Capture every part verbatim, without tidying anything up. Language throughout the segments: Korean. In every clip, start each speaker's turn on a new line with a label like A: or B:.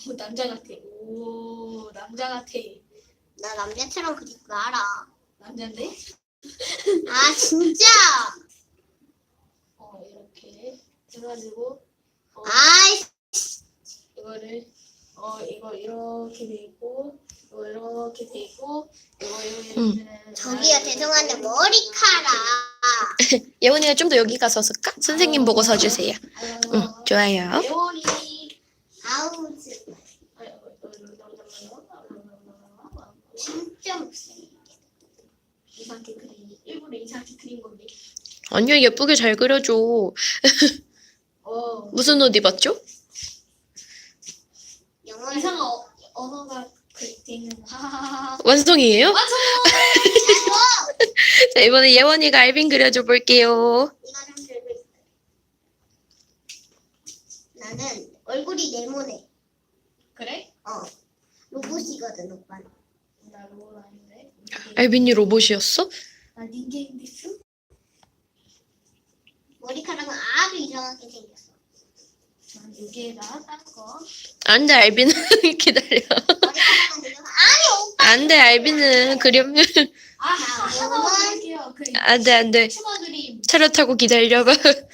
A: 오, 남자 같아. 오, 남자 같아.
B: 나 남자처럼 그릴 거 알아.
A: 남잔데?
B: 아 진짜.
A: 어, 이렇게 해가지고 어,
B: 아이
A: 이거를 어 이거 이렇게 돼 있고 이거 이렇게 돼 있고 이거 이거
C: 응.
A: 이거는
B: 저기요 죄송한데 머리카락.
C: 예원이가 좀 더 여기 가서 쓸까? 선생님 보고 서주세요. 응, 좋아요.
A: 예원이
B: 아우 진짜 못생겨.
A: 이상하게 그린 일부러 이상하게 그린 건데.
C: 아니야, 예쁘게 잘 그려줘.
A: 어
C: 무슨 옷 입었죠?
B: 영어
A: 이상한 어, 언어가 그돼 있는 하하하하.
C: 완성이에요?
A: 완성!
C: 자, 이번에 예원이가 알빈 그려줘 볼게요.
B: 이거 좀 들고 있어. 나는 얼굴이 네모네.
A: 그래?
B: 어 로봇이거든 오빠는.
A: 나 로봇 아닌데.
C: 알빈이 로봇이었어?
A: 나 닌겐데스?
B: 머리카락은 아주 이상하게 생겼어.
A: 난 여기에다 딴 거.
C: 안 돼, 알빈은 기다려.
B: 머리카락은 지금 아니 오빠.
C: 안 돼, 알빈은 그려면.
A: 아 하나만 그릴게요. 그
C: 안 돼, 안 돼.
A: 추가 그림.
C: 차렷 타고 기다려봐.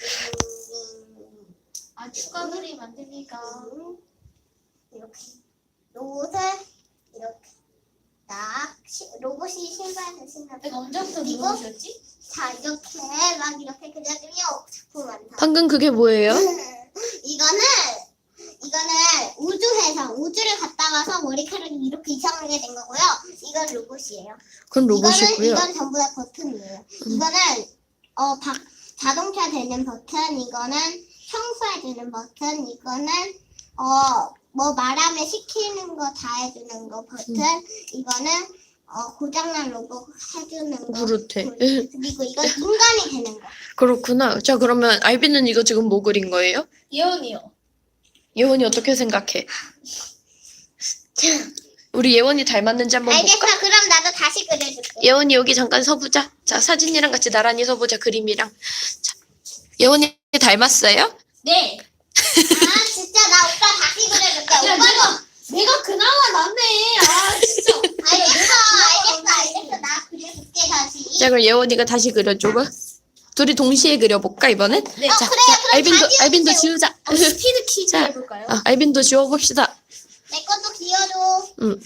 A: 아 추가 그림 안 되니까.
B: 이렇게 로봇을 이렇게 딱 시- 로봇이 신발을 신는.
A: 내가 언제부터
B: 이거?
A: 누구셨지?
B: 자 이렇게 막 이렇게 그려주면 작품 완성.
C: 방금 그게 뭐예요?
B: 이거는 이거는 우주에서 우주를 갔다 와서 머리카락이 이렇게 이상하게 된 거고요. 이건 로봇이에요.
C: 그건
B: 이거는
C: 로봇이고요.
B: 이건 전부 다 버튼이에요. 이거는 어 바, 자동차 되는 버튼, 이거는 청소해 주는 버튼, 이거는 어 뭐 말하면 시키는 거 다 해주는 거 버튼, 이거는 어 고장난 로봇 해주는 거.
C: 그렇대.
B: 그리고 이건 인간이 되는 거.
C: 그렇구나. 자, 그러면 알빈은 이거 지금 뭐 그린 거예요?
A: 예원이요.
C: 예원이 어떻게 생각해? 우리 예원이 닮았는지 한번
B: 알겠어.
C: 볼까?
B: 그럼 나도 다시 그려줄게.
C: 예원이 여기 잠깐 서보자. 자, 사진이랑 같이 나란히 서보자, 그림이랑. 자, 예원이 닮았어요?
A: 네.
B: 아 진짜 나 오빠 다시 그려줄게.
A: 야
B: 오빠도.
A: 내가 내가 그나마 낫네. 아 진짜.
B: 알겠어. 알겠어. 알겠어. 나 그려줄게 다시.
C: 자, 그럼 예원이가 다시 그려줘봐. 둘이 동시에 그려볼까, 이번엔?
A: 네.
B: 어,
C: 자,
B: 그래요.
C: 자,
B: 그럼
C: 알빈도,
B: 다 지워주세요.
C: 알빈도 지우자.
A: 어, 스피드 퀴즈
C: 자,
A: 해볼까요?
C: 아, 알빈도 지워봅시다.
B: 내 것도 지워줘.
C: 응.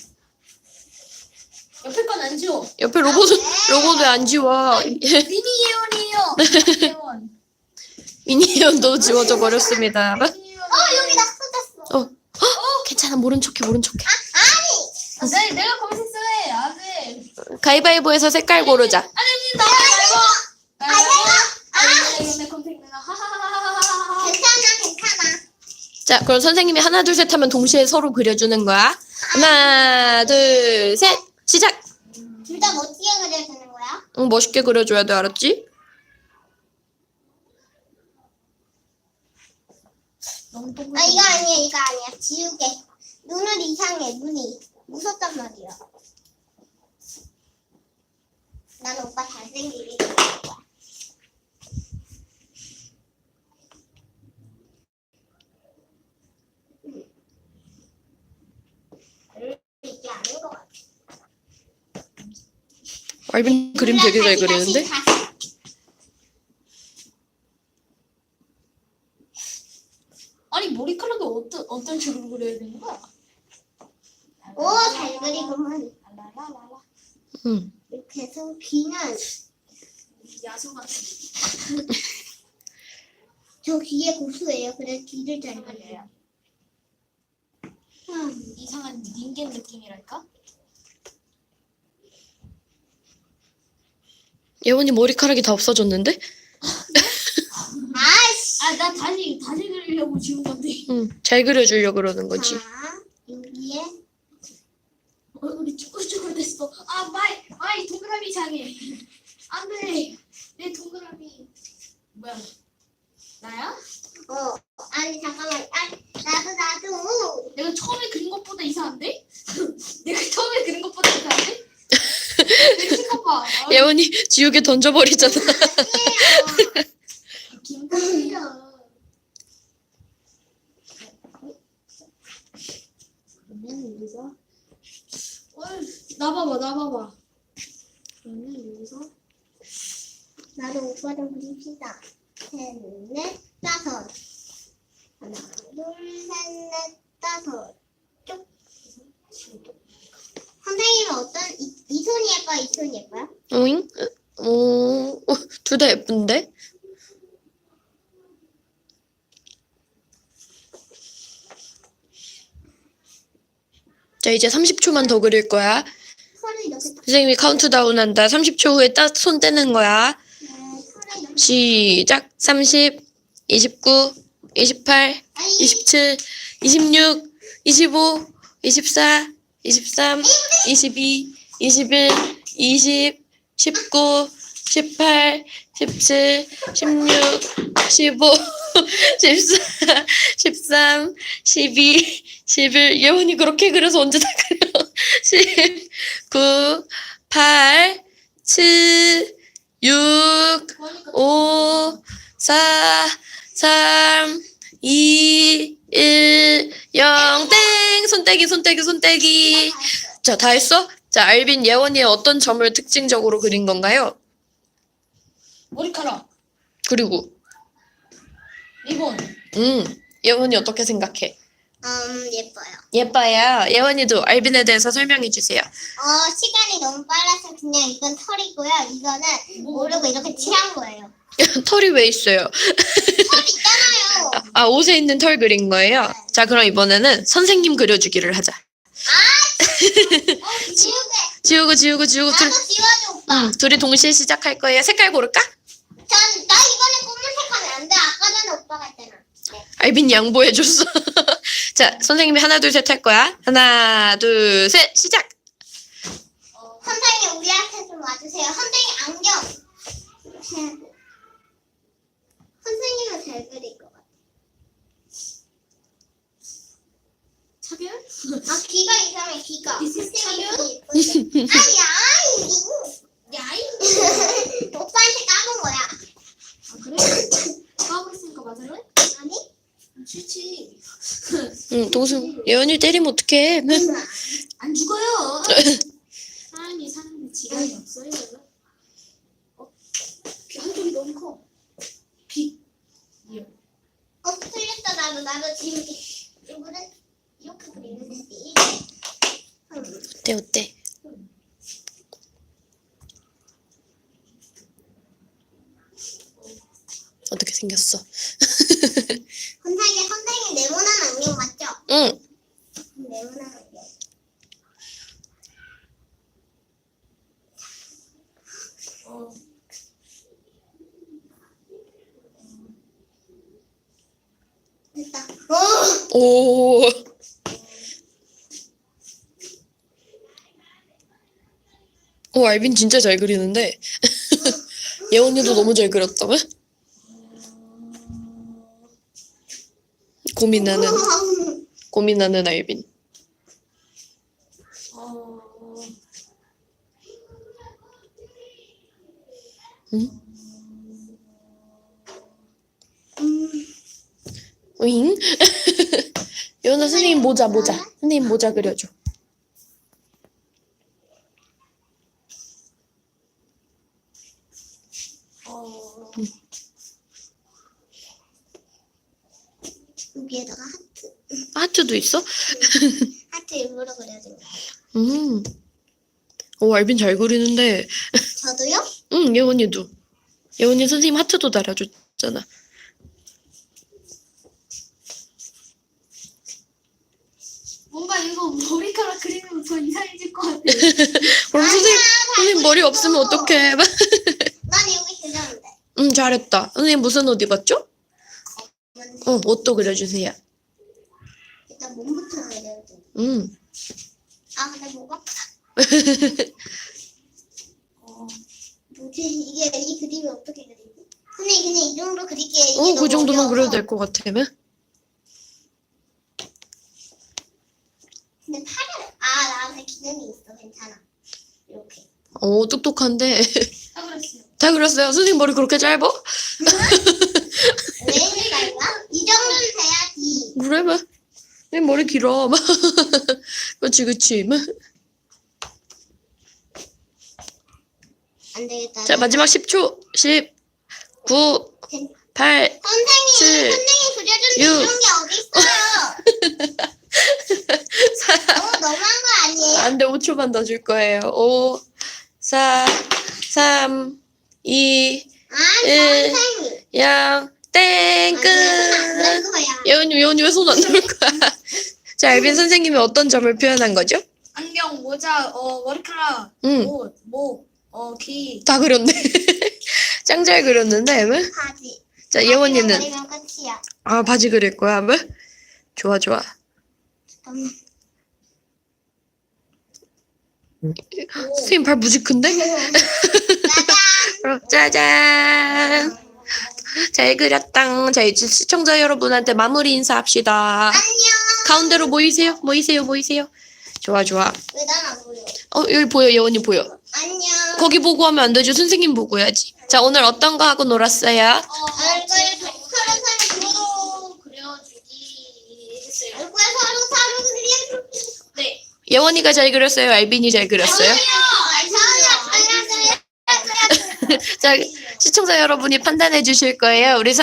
A: 옆에 건 안 지워.
C: 옆에 로봇은, 로봇 왜 안 지워?
A: 미니 예원이에요. 미니 예원.
C: 미니 예원도 지워져 버렸습니다.
A: 미니 예원.
B: 어 여기 나 쏟았어.
C: 어, 헉, 괜찮아. 모른 척해, 모른 척해.
A: 아, 네, 내가 검색해. 안 돼.
C: 가위바위보에서 색깔 고르자.
A: 아니, 아니, 나 말고. 아, 내 검색 내가 하하하하하하.
B: 괜찮아 괜찮아.
C: 자, 그럼 선생님이 하나, 둘, 셋 하면 동시에 서로 그려주는 거야. 하나, 둘, 셋, 시작!
B: 둘 다 멋지게 그려주는 거야?
C: 응, 멋있게 그려줘야 돼, 알았지?
A: 너무 동글.
B: 아 이거 아니야 이거 아니야. 지우개. 눈을 이상해 눈이. 무섭단 말이야. 나는 오빠 잘생기게 그릴 거야. 이게 아닌 것 같아.
C: 알빈 그림 되게 잘
B: 다시,
C: 그리는데?
B: 다시, 다시.
A: 아니 머리카락이 어떤 어떤 식으로 그려야 되는 거야?
B: 오, 잘 그리구만.
A: 라라라라.
C: 응.
B: 이렇게 해서 귀는
A: 야수 같은.
B: 저 귀에 고수예요. 그래서 귀를 잘 그려요. 음.
A: 이상한 닌겐 느낌이랄까?
C: 예원이 머리카락이 다 없어졌는데?
B: 아이씨.
A: 아, 나 다시 다시 그리려고 지운 건데.
C: 응, 잘 그려주려고 그러는 거지.
B: 자, 여기에
A: 얼굴이 쭈글쭈글 됐어. 아, 마이 마이 동그라미 이상해. 안 돼. 내 동그라미. 뭐야? 나야?
B: 어 아니 잠깐만. 아 나도 나도.
A: 내가 처음에 그린 것보다 이상한데? 내가 처음에 그린 것보다 이상한데? 내 생각 봐. 아,
C: 예원이 지우개 던져버리잖아.
B: 아니에요.
A: 김밥이야.
B: 봅시다. 셋, 넷, 다섯. 하나, 둘, 셋, 넷, 다섯. 쭉. 선생님은 어떤, 이, 이 손이 예뻐요? 이 손이 예뻐요?
C: 오잉? 오, 둘 다 예쁜데? 자, 이제 삼십 초만 더 그릴 거야.
B: 손을 이렇게 딱.
C: 선생님이 카운트다운 한다. 삼십 초 후에 딱 손 떼는 거야.
B: 네, 손을 이렇게.
C: 시작. 삼십, 이십구, 이십팔,
B: 아니,
C: 이십칠, 이십육, 이십오, 이십사, 이십삼, 이십이, 이십일, 이십, 십구, 십팔, 십칠, 십육, 십오, 십사, 십삼, 십이, 십일. 예원이 그렇게 그려서 언제 다 그려? 십구, 팔, 칠, 육, 오, 사, 삼, 이, 일, 영, 땡! 손떼기, 손떼기, 손떼기. 자, 다 했어? 자, 알빈, 예원이의 어떤 점을 특징적으로 그린 건가요?
A: 머리카락,
C: 그리고,
A: 리본.
C: 음, 예원이 어떻게 생각해?
B: 음, 예뻐요.
C: 예뻐요. 예원이도 알빈에 대해서 설명해 주세요.
B: 어, 시간이 너무 빨라서 그냥 이건 털이고요. 이거는 모르고 이렇게 칠한 거예요.
C: 털이 왜 있어요?
B: 털 있잖아요.
C: 아, 옷에 있는 털 그린 거예요? 자, 그럼 이번에는 선생님 그려주기를 하자.
B: 어, 지우개.
C: 지우고, 지우고, 지우고. 둘,
B: 나도 지워줘, 오빠.
C: 음, 둘이 동시에 시작할 거예요. 색깔 고를까?
B: 전, 나 이번에 검은색 하면 안 돼. 아까 전에 오빠가 했잖아. 네.
C: 알빈 양보해줬어. 자, 선생님이 하나, 둘, 셋 할 거야. 하나, 둘, 셋, 시작!
B: 선생님, 우리한테 좀 와주세요. 선생님, 안경. 이렇게 해야 돼. 선생님은 잘 그릴 것 같아.
A: 차별?
B: 아, 귀가 이상해, 귀가.
A: 이게
B: 선생님이 예쁜데. 아니, 아니.
A: 야이.
B: 오빠한테 까본 거야.
A: 아, 그래? 까고 있으니까 맞을래?
B: 아니?
A: 싫지.
C: 응, 동수, 예원이 때리면 어떡해.
A: 안 죽어요. 사람이 사는데 지간이 없어요. 어? 귀 한쪽이 너무 커. 귀. 이요.
B: 어, 틀렸다. 나도, 나도 지금 이거는 이렇게 그리는데. 음.
C: 어때, 어때? 어떻게 생겼어?
B: 선생님, 선생님 네모난 안경 맞죠?
C: 응.
B: 네모난 안경.
A: 어.
B: 됐다. 어!
C: 오. 오, 알빈 진짜 잘 그리는데. 예원이도 너무 잘 그렸다. 고민하는, 고민하는 알빈.
A: 어.
C: 응?
B: 음.
C: 오잉? 예원아, 선생님 모자, 모자. 선생님 모자 그려줘.
A: 어.
B: 여기에다가 하트.
C: 하트도 있어?
B: 하트 일부러 그려준 거예요.
C: 음. 오, 알빈 잘 그리는데.
B: 저도요?
C: 응, 예원이도. 예원이 선생님 하트도 달아줬잖아.
A: 뭔가 이거 머리카락 그리면 더 이상해질 것 같아.
C: 그럼
B: 아니야,
C: 선생님,
B: 잘
C: 선생님 머리
B: 그렸어.
C: 없으면 어떡해.
B: 난 여기 그렸는데.
C: 응, 잘했다. 선생님 무슨 옷 입었죠? 어, 옷도 그려주세요.
B: 일단 몸부터 그려줘.
C: 응.
B: 아, 근데 목 아프다.
A: 어.
B: 뭐지? 이게 이 그림이 어떻게 그리지? 선생님 그냥 이 정도 그릴게요. 이게
C: 어,
B: 너무
C: 그 정도만
B: 어려워서.
C: 그려도 될 것 같으면?
B: 근데 팔을 아 나한테 기능이 있어. 괜찮아. 이렇게.
C: 어, 똑똑한데.
A: 다 그랬어요.
C: 다 그렸어요. 선생님 머리 그렇게 짧아?
B: 왜 이럴까? 이 정도는 돼야지.
C: 그래, 봐. 내 머리 길어. 그치, 그치.
B: 안 되겠다.
C: 자, 마지막 십 초. 십, 구, 팔,
B: 선생님,
C: 칠,
B: 선생님 그려준
C: 육.
B: 이런 게 어딨어요? 너무 너무한 거 아니에요?
C: 안 돼, 오 초만 더 줄 거예요. 오, 사, 삼, 이,
B: 아,
C: 일.
B: 선생님.
C: 영, 땡,
B: 안
C: 끝.
B: 거야.
C: 예원이, 예원이 왜 손 안 넣을 거야? 자, 알빈 선생님이 어떤 점을 표현한 거죠?
A: 안경, 모자, 어, 머리카락,
C: 응,
A: 옷, 목, 어, 귀.
C: 다 그렸네. 짱 잘 그렸는데, 왜?
B: 바지.
C: 자, 예원이는?
B: 그리면 끝이야.
C: 아, 바지 그릴 거야, 왜? 좋아, 좋아.
B: 잠깐만.
C: 선생님 발 무지 큰데?
B: 짜잔.
C: 어, 짜잔. 잘 그렸당. 자, 이제 시청자 여러분한테 마무리 인사합시다.
B: 안녕.
C: 가운데로 모이세요. 모이세요. 모이세요. 좋아, 좋아.
B: 왜 난 안 보여?
C: 어, 여기 보여. 예원이 보여.
B: 안녕.
C: 거기 보고 하면 안 되죠. 선생님 보고 해야지. 자, 오늘 어떤 거 하고 놀았어요?
A: 어,
B: 얼굴 서로 서로 그리고
A: 서로 그려주기 했어요.
B: 얼굴 서로 서로 그리고
A: 네.
C: 예원이가 잘 그렸어요? 알빈이 잘 그렸어요? 자, 시청자 여러분이 판단해 주실 거예요. 우리